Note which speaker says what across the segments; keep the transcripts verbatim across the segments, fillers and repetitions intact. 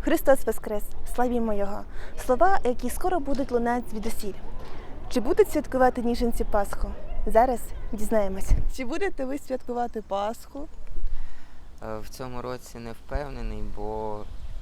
Speaker 1: Христос Воскрес! Славімо Його! Слова, які скоро будуть лунати звідусіль. Чи будуть святкувати ніженці Пасху? Зараз дізнаємось. Чи будете ви святкувати Пасху?
Speaker 2: В цьому році не впевнений, бо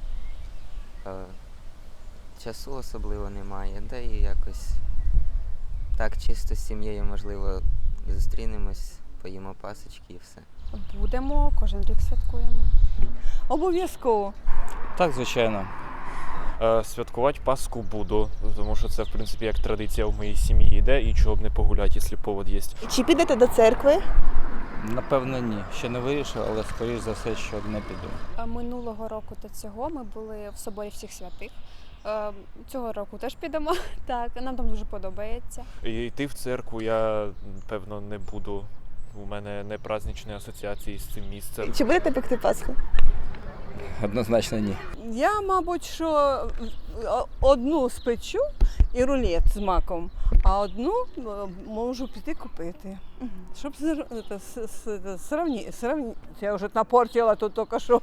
Speaker 2: е, часу особливо немає, да і якось так чисто з сім'єю, можливо, зустрінемось, поїмо пасочки і все.
Speaker 3: Будемо, кожен рік святкуємо.
Speaker 4: Обов'язково.
Speaker 5: Так, звичайно. Е, Святкувати Пасху буду, тому що це, в принципі, як традиція в моїй сім'ї йде, і чого б не погуляти, якщо повод є.
Speaker 1: Чи підете до церкви?
Speaker 6: Напевно, ні. Ще не вирішив, але скоріш за все, що не піду.
Speaker 3: А Минулого року та цього ми були в соборі всіх святих. Е, Цього року теж підемо. Так, нам там дуже подобається.
Speaker 5: І йти в церкву я, певно, не буду. У мене не праздничні асоціації з цим місцем.
Speaker 1: Чи будете пекти Пасху?
Speaker 6: Однозначно ні.
Speaker 4: Я, мабуть, що одну спечу і рулет з маком, а одну можу піти купити. Щоб сравнити. Я вже напортила тут тільки що.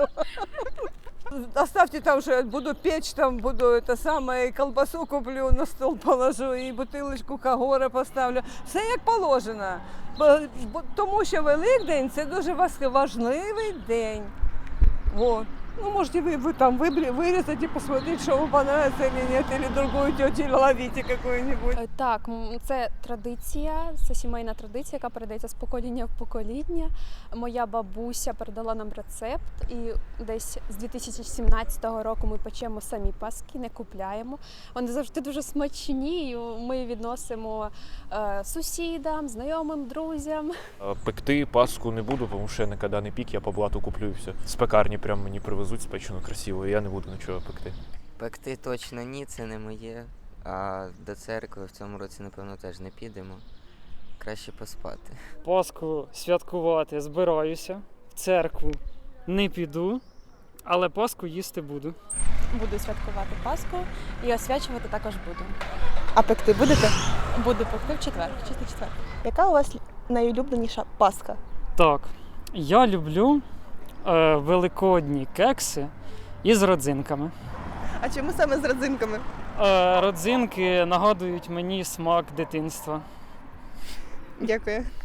Speaker 4: Оставьте там же, буду печь, там буду это самое, колбасу куплю, на стол положу і бутилочку Кагора поставлю. Все як положено. Тому що Великдень – це дуже важливий день. Вот. Ну, можете вы, вы там вырезать и посмотреть, что вам понравится или нет, или другую тетю ловите какую-нибудь.
Speaker 3: Е, Так, м, це традиція, це сімейна традиція, яка передається з покоління в покоління. Моя бабуся передала нам рецепт, і десь з дві тисячі сімнадцятого року ми печемо самі паски, не купляємо. Вони завжди дуже смачні, і ми відносимо е, сусідам, знайомим, друзям.
Speaker 5: Е, Пекти Пасху не буду, тому що я ніколи не пік, я по блату куплю і все. З пекарні прям мені привезуть спечено красиво, і я не буду нічого пекти.
Speaker 2: Пекти точно ні, це не моє, а до церкви в цьому році, напевно, теж не підемо. Краще поспати.
Speaker 7: Пасху святкувати збираюся, в церкву не піду, але Пасху їсти буду.
Speaker 8: Буду святкувати Пасху і освячувати також буду.
Speaker 1: А пекти будете?
Speaker 8: Буду пекти в четвер, в чистий четвер.
Speaker 1: Яка у вас найулюбленіша Пасха?
Speaker 7: Так, я люблю е, великодні кекси із родзинками.
Speaker 1: А чому саме з родзинками?
Speaker 7: Е, родзинки нагадують мені смак дитинства.
Speaker 1: Дякую.